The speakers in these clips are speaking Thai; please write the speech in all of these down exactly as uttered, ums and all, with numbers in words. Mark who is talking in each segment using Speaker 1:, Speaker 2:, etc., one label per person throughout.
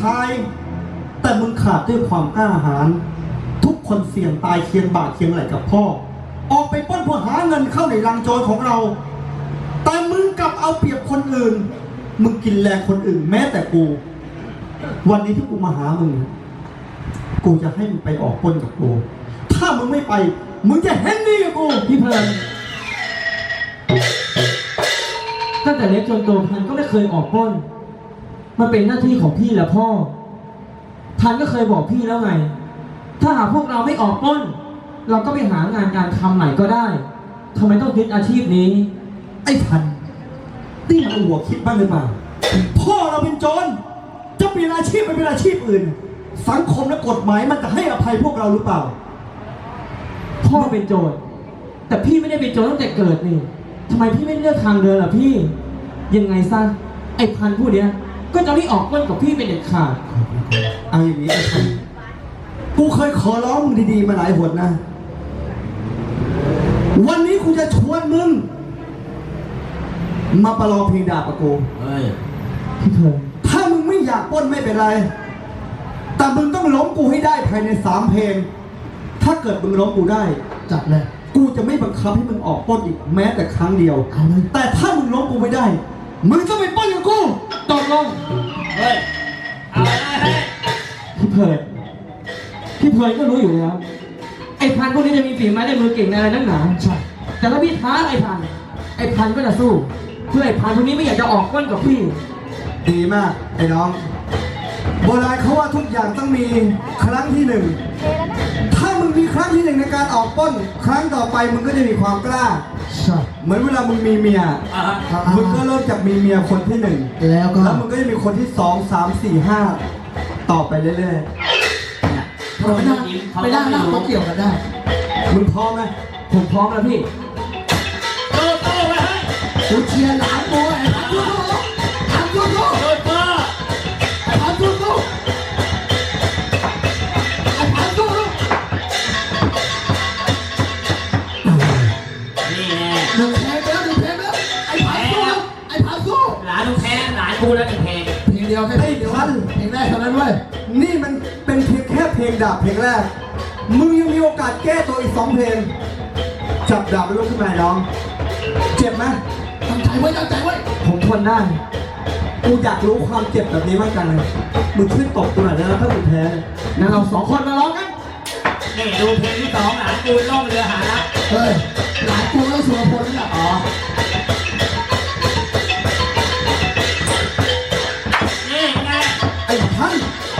Speaker 1: ายแต่มึงขาดด้วยความกล้าหาญทุกคนเสี่ยงตายเคียงบ่าเคียงไหลกับพ่อออกไปปล้นเพื่อหาเงินเข้าในรังโจรของเราแต่มึงกลับเอาเปรียบคนอื่นมึงกินแรงคนอื่นแม้แต่กูวันนี้ที่กูมาหามึงกูจะให้มึงไปออกปล้นกับกูถ้ามึงไม่ไปมึงจะเห็นดีกับกูพี่เพลิน
Speaker 2: ตั้งแต่เล็กจนโตพันก็ไม่เคยออกปล้นมันเป็นหน้าที่ของพี่และพ่อพันก็เคยบอกพี่แล้วไงถ้าหากพวกเราไม่ออกปล้นเราก็ไปหางานการทำใหม่ก็ได้ทำไมต้องยึดอาชีพนี้
Speaker 1: ไอ้พันนี่มันหัวคิดบ้างหรือเปล่าพ่อเราเป็นโจรจะเปลี่ยนอาชีพไปเป็นอาชีพอื่นสังคมและกฎหมายมันจะให้อภัยพวกเราหรือเปล่า
Speaker 2: พ่อเป็นโจรแต่พี่ไม่ได้เป็นโจรตั้งแต่เกิดนี่ทำไมพี่ไม่เลือกทางเดินล่ะพี่ยังไงซะไอ้พันผู้เนี้ยก็จะไม่ออกปล้นกับพี่เป็นเด็ดขาด
Speaker 1: เอาอย่างนี้ไอ้พันกูเคยขอร้องมึงดีๆมาหลายหนนะวันนี้กูจะชวนมึงมาประลองเพลงดาบกับกู
Speaker 2: เฮ้ยพี่เธอ
Speaker 1: ถ้ามึงไม่อยากปล้นไม่เป็นไรแต่มึงต้องล้มกูให้ได้ภายในสามเพลงถ้าเกิดมึงล้มกูได้
Speaker 3: จัดเลย
Speaker 1: กูจะไม่บังคับให้มึงออกปล้นอีกแม้แต่ครั้งเดียวแต่ถ้ามึงล้มกูไม่ได้มึงต้องไปปล้นกับกู
Speaker 2: ตกลงเฮ้ยเอาเลยพี่เพลิดพี่เพลิดก็รู้อยู่แล้วไอ้พันพวกนี้จะมีฝีไม้ได้มือเก่งในอะไรนักหนาใช่แต่ถ้าพี่ท้าไอ้พันไอ้พันก็จะสู้เพื่อไอ้พันพวกนี้ไม่อยากจะออกปล้นกับพี่
Speaker 1: ดีมากไอ้น้องโบราณเขาว่าทุกอย่างต้องมีครั้งที่หนึ่งถ้ามึงมีครั้งที่หนึ่งในการออกปล้นครั้งต่อไปมึงก็จะมีความกล้าเหมือนเวลามึงมีเมียมึงก็เริ่มจากมีเมียคนที่หนึ่ง
Speaker 3: แล้วก็
Speaker 1: แล้วมึงก็จะมีคนที่สองสามสี่ห้าต่อไปเรื่อยๆ
Speaker 3: ไปได้ไปได้นะเขาเกี่ยวกันได้
Speaker 1: มึงพร้อมไหม
Speaker 2: ผมพร้อมแล้วพี่
Speaker 3: โตโตไปให้กูเชียร์หลานกูไอ้พันกูพันกูโตโตไอ้พันกูโตไอ้พันกู
Speaker 4: นี่แน่
Speaker 3: หนึ่งเพลงแล้วหนึ่งเพลงแล้วไอ้พันกูไอ้พันกู
Speaker 4: หลานมึงแพ้หลานกูแล้วหนึ่งเพลง
Speaker 3: เพลงเดียวแค่เพลงเดียวเพลงแรกเท่านั้นเว้ย
Speaker 1: นี่มันเป็นเพียงแค่เพลงดาบเพลงแรกมึงยังมีโอกาสแก้ตัวอีกสองเพลงจับดาบไปลุกขึ้นมาน้องเจ็บไหม
Speaker 3: ตั้งใจไว้ตั้งใจไว้
Speaker 2: ผมทนได้
Speaker 1: กูอยากรู้ความเจ็บแบบนี้มากจังเลยมึงช่วยตบกูหน่อยนะถ้ามึงแพ้
Speaker 2: งั้นเราสองคนมาร้องกัน
Speaker 4: นี่ดูเพลงที่สองหลานกูล่องเรือหารัก
Speaker 3: เฮ้ยหลานกูแล้วสุรพลนี่แหละอ๋อ
Speaker 4: นี่ไง
Speaker 1: ไอ้ท่าน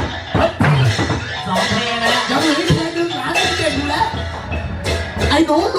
Speaker 4: สองเพลงแล้ว
Speaker 3: ยังเหลืออีกเพลงหนึ่งหลานเก่งอยู่แล้วไอ้หนู